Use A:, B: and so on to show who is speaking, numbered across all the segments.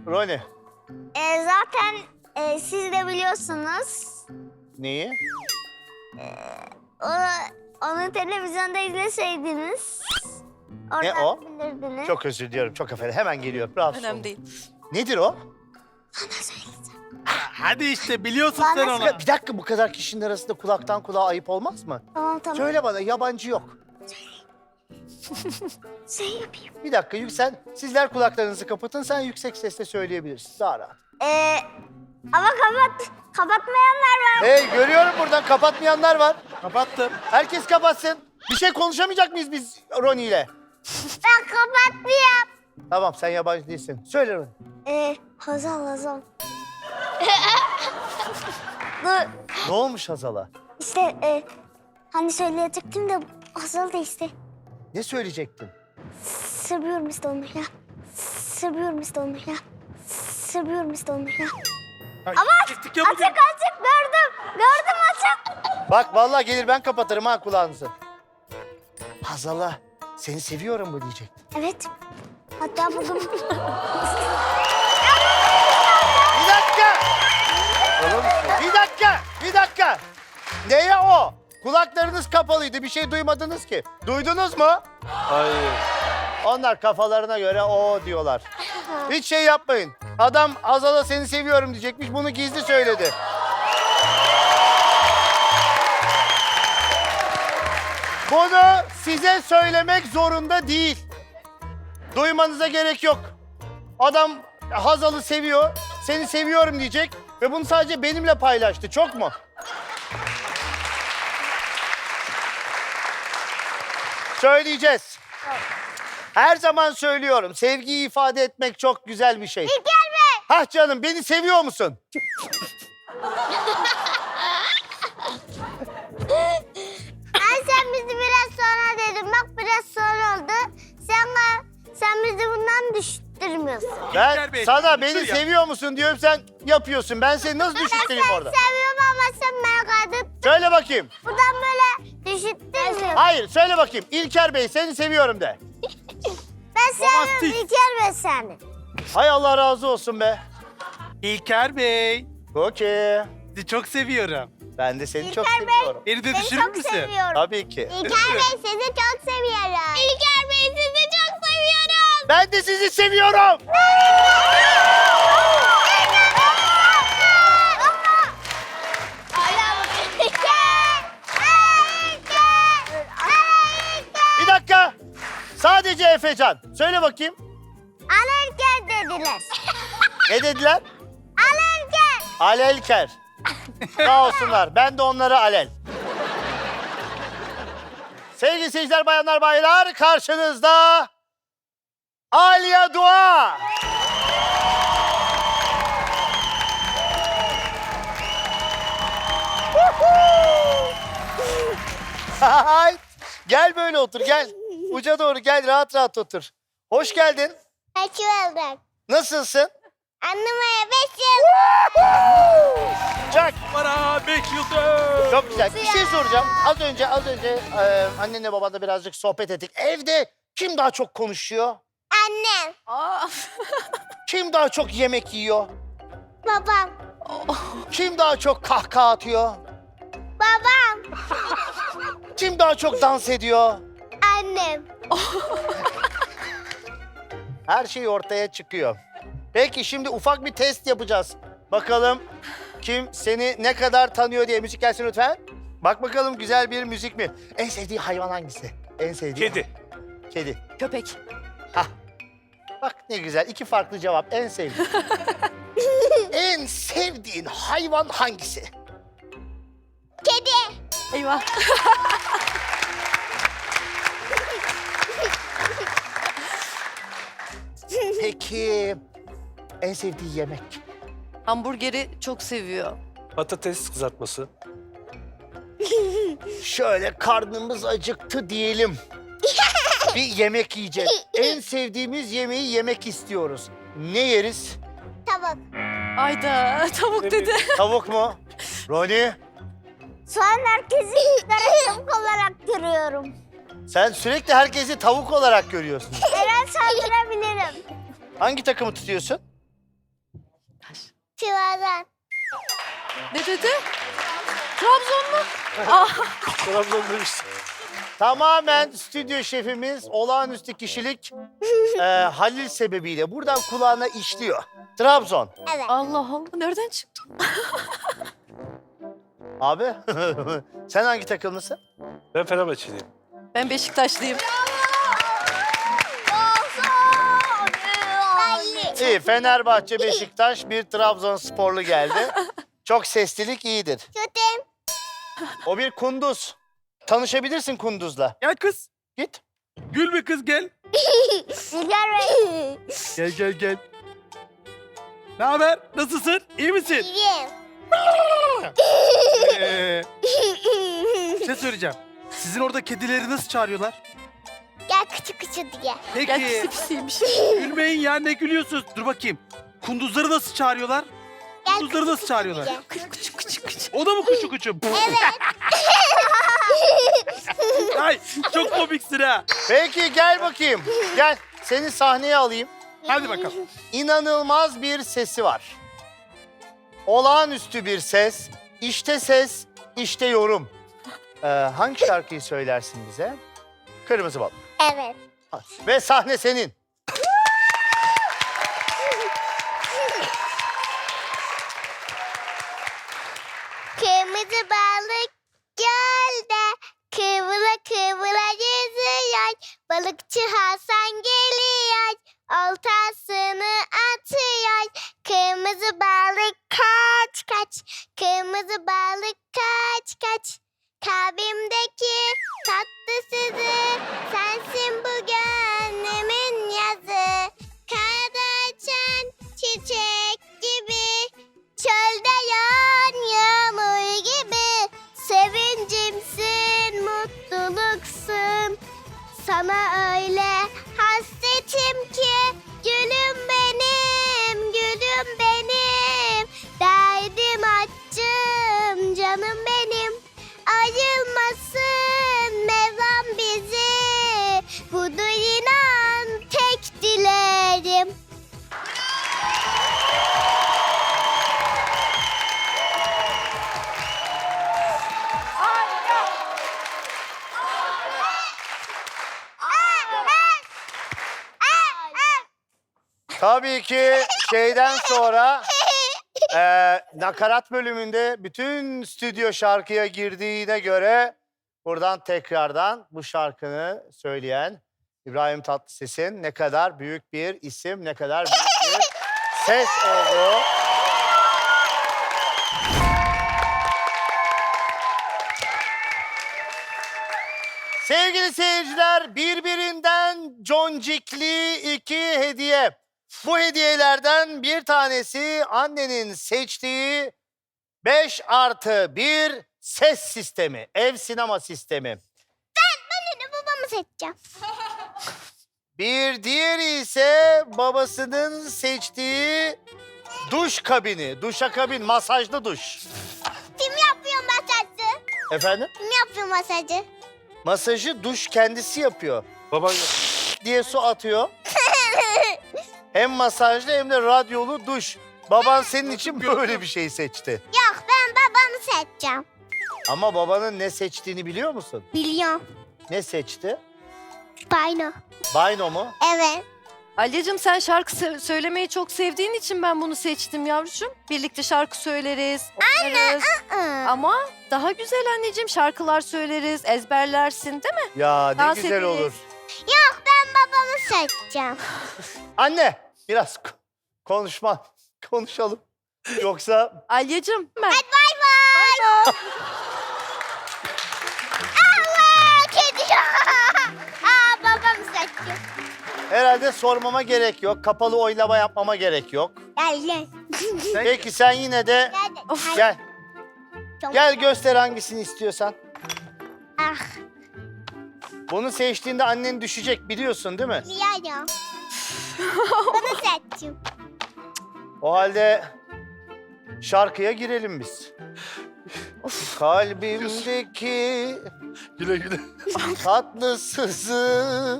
A: Roni.
B: Zaten siz de biliyorsunuz.
A: Neyi?
B: Onu televizyonda izleseydiniz.
A: Ne
B: Oradan
A: o?
B: bilirdiniz.
A: Çok özür diliyorum. Çok affedersin. Hemen geliyor. Rahatsız
C: Önemli
A: olma.
C: değil.
A: Nedir o?
B: Sana söyleyeceğim.
D: Hadi işte biliyorsun
B: Bana
D: sen onu.
A: Bir dakika, bu kadar kişinin arasında kulaktan kulağa ayıp olmaz mı?
B: Tamam.
A: Söyle bana, yabancı yok.
B: Şey yapayım.
A: Bir dakika, sizler kulaklarınızı kapatın, sen yüksek sesle söyleyebilirsin. Daha rahat.
B: Ama kapatmayanlar var.
A: Hey, görüyorum buradan kapatmayanlar var.
D: Kapattım.
A: Herkes kapatsın. Bir şey konuşamayacak mıyız biz Roni ile?
B: Ben kapatmayayım.
A: Tamam, sen yabancı değilsin. Söyle Roni.
B: Hazal. Dur.
A: Ne olmuş Hazal'a?
B: İşte hani söyleyecektim de Hazal da işte.
A: Ne söyleyecektin?
B: Seviyorum işte onu ya. Seviyorum işte onu ya.
D: Ama
B: Açık gördüm. Gördüm açık.
A: Bak vallahi gelir ben kapatırım ha kulağınızı. Hazal'a seni seviyorum mu diyecektin.
B: Evet. Hatta bugün...
A: Bir dakika! Bir dakika! Neye o? Kulaklarınız kapalıydı, bir şey duymadınız ki. Duydunuz mu?
D: Hayır.
A: Onlar kafalarına göre o diyorlar. Hiç şey yapmayın. Adam Hazal'a seni seviyorum diyecekmiş, bunu gizli söyledi. Bunu size söylemek zorunda değil. Duymanıza gerek yok. Adam Hazal'ı seviyor, seni seviyorum diyecek ve bunu sadece benimle paylaştı. Çok mu? Söyleyeceğiz. Her zaman söylüyorum, sevgiyi ifade etmek çok güzel bir şey.
B: İlker Bey!
A: Hah canım, beni seviyor musun?
B: Sen bizi biraz sonra dedin. Bak biraz sonra oldu. Sen bizi bundan düşürtmüyorsun.
A: Ben
D: İlker Bey,
A: sana
D: dur
A: beni
D: ya.
A: seviyor musun diyorum, sen yapıyorsun. Ben seni nasıl düşürteyim orada?
B: Seviyorum ama sen merak edip
A: Söyle bakayım.
B: buradan böyle düşürtmüyorsun.
A: Hayır, söyle bakayım. İlker Bey, seni seviyorum de.
B: Ben seviyorum
D: Romantik.
B: İlker Bey seni.
A: Hay Allah razı olsun be.
D: İlker Bey.
A: Okey.
D: Sizi çok seviyorum.
A: Ben de seni çok
B: İlker Bey.
A: seviyorum.
D: Beni de
B: Seni
D: düşürür
B: çok
D: müsün?
B: seviyorum.
A: Tabii ki.
B: İlker Bey sizi çok seviyorum. İlker Bey sizi çok seviyorum.
A: Ben de sizi seviyorum. Bir dakika. Sadece Efecan. Söyle bakayım.
B: Alırken dediler.
A: Ne dediler?
B: Alırken.
A: Alelker. Sağ olsunlar. Ben de onlara alel. Sevgili seyirciler, bayanlar, baylar, karşınızda Aliye Dua. Hay, gel böyle otur, gel. Uca doğru gel, rahat rahat otur. Hoş geldin.
B: Hoş bulduk.
A: Nasılsın?
B: Anlamaya 5 yıl.
A: Çak.
D: Bana 5 yıldız.
A: Çok güzel. Bir şey soracağım. Az önce annenle babanla birazcık sohbet ettik. Evde kim daha çok konuşuyor?
B: Annem.
A: Kim daha çok yemek yiyor?
B: Babam.
A: Kim daha çok kahkaha atıyor?
B: Babam.
A: Kim daha çok dans ediyor?
B: Annem.
A: Her şey ortaya çıkıyor. Peki şimdi ufak bir test yapacağız. Bakalım kim seni ne kadar tanıyor diye. Müzik gelsin lütfen. Bak bakalım güzel bir müzik mi? En sevdiği hayvan hangisi? En sevdiği?
D: Kedi.
A: Kedi.
C: Köpek.
A: Hah. Bak ne güzel. 2 farklı cevap. En sevdiğin. En sevdiğin hayvan hangisi?
B: Kedi.
C: Eyvah.
A: Peki en sevdiği yemek?
C: Hamburgeri çok seviyor.
D: Patates kızartması.
A: Şöyle karnımız acıktı diyelim. Bir yemek yiyeceğiz. En sevdiğimiz yemeği yemek istiyoruz. Ne yeriz?
B: Tavuk.
C: Ayda tavuk dedi.
A: Tavuk mu? Roni,
B: Şu an herkesi tavuk olarak görüyorum.
A: sen sürekli herkesi tavuk olarak görüyorsun.
B: Her an saldırabilirim.
A: Hangi takımı tutuyorsun?
B: Sivas'tan.
C: Ne dedi? Trabzonlu.
D: Trabzon demiştim.
A: Tamamen stüdyo şefimiz olağanüstü kişilik Halil sebebiyle buradan kulağına işliyor. Trabzon.
B: Evet.
C: Allah Allah, nereden çıktı?
A: Abi sen hangi takımlısın?
D: Ben Fenerbahçeliyim.
C: Ben Beşiktaşlıyım.
B: Belli.
A: İyi, Fenerbahçe, Beşiktaş, bir Trabzonsporlu geldi. Çok seslilik iyidir.
B: Kötüm.
A: O bir kunduz. Tanışabilirsin kunduzla.
D: Gel kız.
A: Git.
D: Gül be kız gel.
B: Rüzgar Bey.
D: Gel. Ne haber? Nasılsın? İyi misin?
B: İyiyim.
D: Bir şey söyleyeceğim. Sizin orada kedileri nasıl çağırıyorlar?
B: Gel küçük küçük diye.
C: Gel pisi
D: Peki.
C: pisiymiş.
D: Gülmeyin ya, ne gülüyorsunuz? Dur bakayım. Kunduzları nasıl çağırıyorlar?
B: Gel
D: Kunduzları nasıl çağırıyorlar?
B: diye.
C: Küçük.
D: O da mı kuçu kuçu? Ay çok komiksin ha.
A: Peki gel bakayım. Gel. Seni sahneye alayım.
D: Hadi bakalım.
A: İnanılmaz bir sesi var. Olağanüstü bir ses. İşte ses, işte yorum. Hangi şarkıyı söylersin bize? Kırmızı Balık.
B: Evet.
A: Ve sahne senin.
B: Kırmızı balık gölde kıvıla kıvıla yüzüyor. Balıkçı Hasan geliyor. Oltasını atıyor. Kırmızı balık kaç kaç. Kırmızı balık kaç kaç. Kalbimdeki tatlısızı sensin bu gönlümün yazı. Karda açan çiçek gibi. Çölde yağan yağmur gibi. Sevincimsin, mutluluksun. Sana öyle hasretim ki. Gülüm benim, gülüm benim. Derdim açım, canım benim. Ayrılmasın Mevlam bizi. Budur inan tek dilerim.
A: Tabii ki şeyden sonra nakarat bölümünde bütün stüdyo şarkıya girdiğine göre buradan tekrardan bu şarkını söyleyen İbrahim Tatlıses'in ne kadar büyük bir isim, ne kadar büyük bir ses olduğu. Sevgili seyirciler, birbirinden concikli iki hediye. Bu hediyelerden bir tanesi annenin seçtiği 5+1 ses sistemi, ev sinema sistemi.
B: Ben de babamı seçeceğim.
A: Bir diğeri ise babasının seçtiği duş kabini, duşakabin, masajlı duş.
B: Kim yapıyor masajı?
A: Efendim?
B: Kim yapıyor masajı?
A: Masajı duş kendisi yapıyor.
D: Baban yok.
A: Diye su atıyor. Hem masajlı hem de radyolu duş. Baban senin için böyle bir şey seçti.
B: Yok ben babamı seçeceğim.
A: Ama babanın ne seçtiğini biliyor musun?
B: Biliyorum.
A: Ne seçti?
B: Payno.
A: Bayno mu?
B: Evet.
C: Alyacığım sen şarkı söylemeyi çok sevdiğin için ben bunu seçtim yavrucuğum. Birlikte şarkı söyleriz, oynarız. Ama daha güzel anneciğim, şarkılar söyleriz, ezberlersin değil mi?
A: Ya ne
C: Dans
A: güzel
C: ederiz.
A: olur.
B: Yok ben babamı seçeceğim.
A: Anne biraz konuşalım. Yoksa
C: Alyacığım ben.
B: Bay bay. Allah kedi. Babamı seçeceğim.
A: herhalde sormama gerek yok. Kapalı oylama yapmama gerek yok.
B: Gel.
A: Peki sen yine de
C: Of.
A: gel. Gel göster hangisini istiyorsan.
B: Ah
A: Bunu seçtiğinde annen düşecek biliyorsun değil mi?
B: biliyorum. Bunu seçeceğim.
A: O halde şarkıya girelim biz. Kalbimdeki
D: Güle.
A: tatlısızı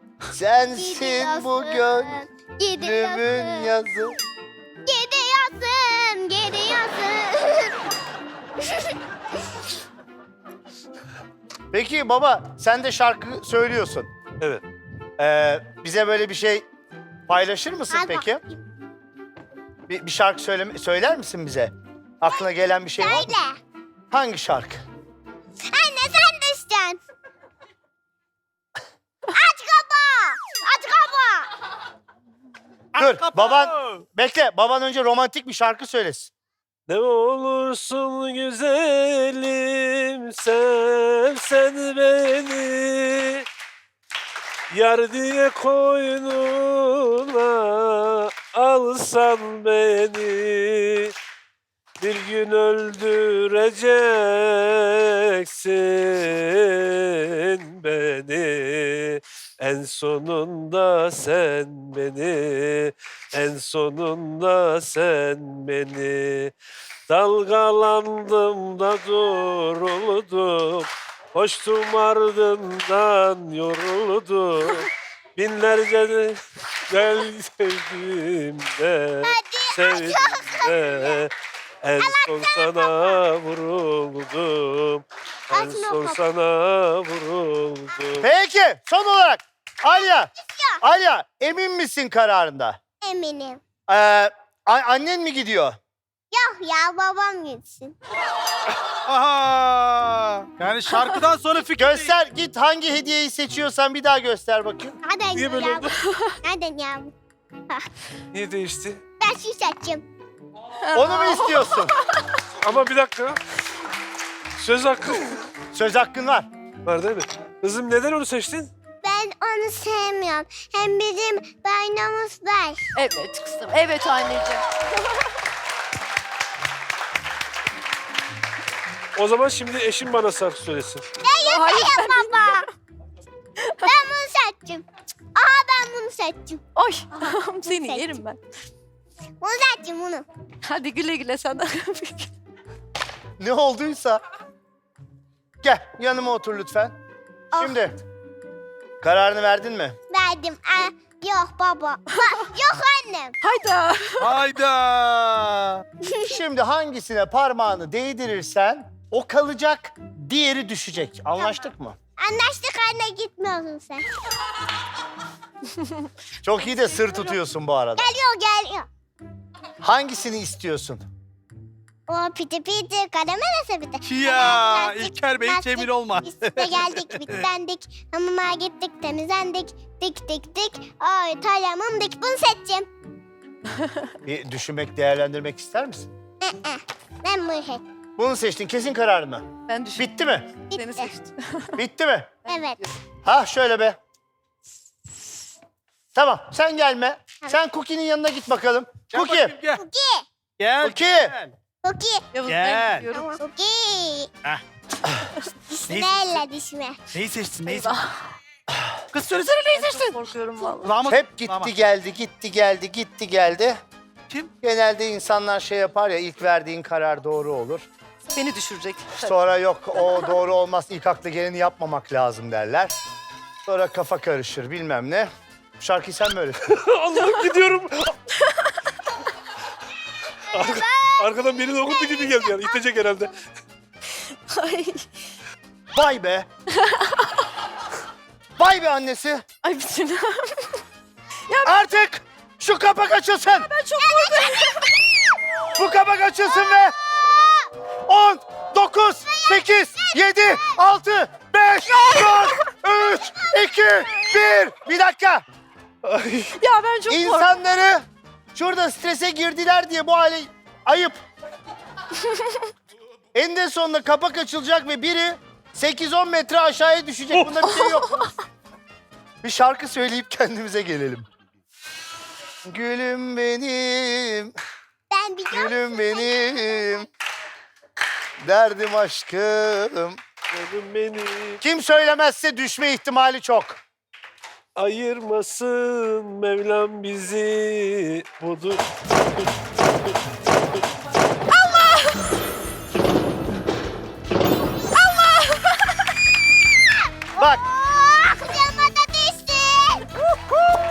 A: sensin bu gönlümün yazı.
B: Gidiyorsun.
A: Peki baba sen de şarkı söylüyorsun.
E: Evet.
A: Bize böyle bir şey paylaşır mısın
B: Al
A: peki? Bir şarkı söyler misin bize? Aklına gelen bir şey var mı?
B: Söyle.
A: Hangi şarkı?
B: Anne sen düşeceksin. Aç kapağı. Aç kapağı.
A: Dur baban bekle. Baban önce romantik bir şarkı söylesin.
E: Ne olursun güzelim sevsen beni, yar diye koynuna alsan beni, bir gün öldüreceksin beni, en sonunda sen beni, en sonunda sen beni. Dalgalandım da duruldum, koştum ardından yoruldum. Binlerce de gel sevdim de, sevdim de. En son sana vuruldum, en son sana vuruldum.
A: Peki son olarak Alya emin misin kararında?
B: Eminim.
A: Annen mi gidiyor?
B: Yok ya babam gitsin.
D: Aha! Yani şarkıdan sonra fikir
A: Göster git hangi hediyeyi seçiyorsan bir daha göster bakayım.
B: Hadi
E: Niye böyle
B: ya.
E: oldu?
B: Hadi ya.
E: Niye değişti?
B: Ben şu seçeceğim.
A: Onu mu istiyorsun?
E: Ama bir dakika. Söz hakkı
A: Söz hakkın var.
E: var değil mi? Kızım neden onu seçtin?
B: Ben onu sevmiyorum. Hem bizim bayrağımız var.
C: Evet kızım. Evet anneciğim.
E: O zaman şimdi eşim bana şarkı söylesin.
C: Hayır.
B: Baba. Ben bunu seçtim. Aha ben bunu seçtim.
C: Ay seni yerim ben.
B: Bunu seçtim bunu.
C: Hadi güle güle sana.
A: Ne olduysa. Gel yanıma otur lütfen. Şimdi kararını verdin mi?
B: Verdim. Yok baba. Yok annem.
C: Hayda.
D: Hayda!
A: Şimdi hangisine parmağını değdirirsen o kalacak, diğeri düşecek. Anlaştık mı?
B: Anlaştık anne gitmiyorsun sen.
A: Çok iyi de sır tutuyorsun bu arada.
B: Geliyor.
A: Hangisini istiyorsun?
B: O piti piti karamel sepeti.
D: Ya İlker Bey hiç emin olmaz.
B: Biz de geldik bitlendik. Hamama gittik temizlendik. Dik. Ay talamım dik. Bunu seçeceğim.
A: Bir düşünmek, değerlendirmek ister misin?
B: Ben bunu seçtim.
A: Bunu seçtin, kesin karar mı?
C: Ben düşün.
A: Bitti mi?
C: Seni
B: Bitti.
C: seçtim.
A: Bitti mi?
B: Evet.
A: Ha şöyle be. Tamam, sen gelme. Sen Cookie'nin yanına git bakalım.
D: Gel
A: Cookie,
D: bakayım, Gel.
B: Cookie.
D: Gel.
A: Cookie.
D: gel.
B: Cookie.
C: Yavuz
D: Gel.
C: ben gidiyorum.
B: Cookie.
D: Heh.
B: Dişime elle dişime.
D: Neyi seçtin? Neyi
C: Eyvah.
D: seçtin? Kız söylesene neyi
C: Çok
D: seçtin?
C: korkuyorum vallahi.
D: Kulağıma-
A: Hep
D: kulağıma.
A: gitti geldi.
D: Kim?
A: Genelde insanlar şey yapar ya, ilk verdiğin karar doğru olur.
C: Beni düşürecek.
A: Sonra yok o doğru olmaz, ilk akla geleni yapmamak lazım derler. Sonra kafa karışır bilmem ne. Bu şarkıyı sen mi öyle?
E: Allah'ım gidiyorum. Arkadan beni dokundu gibi geldi yani. İtecek herhalde.
C: Ay.
A: Vay be. Vay be annesi.
C: Ay bütün.
A: Artık şu kapak açılsın.
C: Ben çok korkuyorum.
A: Bu kapak açılsın ve 10, 9, 8, 7, 6, 5, 4, 3, 2, 1. Bir dakika.
C: Ya ben çok korkuyorum.
A: İnsanları şurada strese girdiler diye bu hale ayıp. Eninde sonunda kapak açılacak ve biri 8-10 metre aşağıya düşecek. Bunda bir şey yok. Bir şarkı söyleyip kendimize gelelim. Gülüm benim,
B: Ben biliyorum.
A: gülüm benim, derdim aşkım.
E: Canım beni
A: Kim söylemezse düşme ihtimali çok.
E: ayırmasın Mevlam bizi. Budur.
A: Bak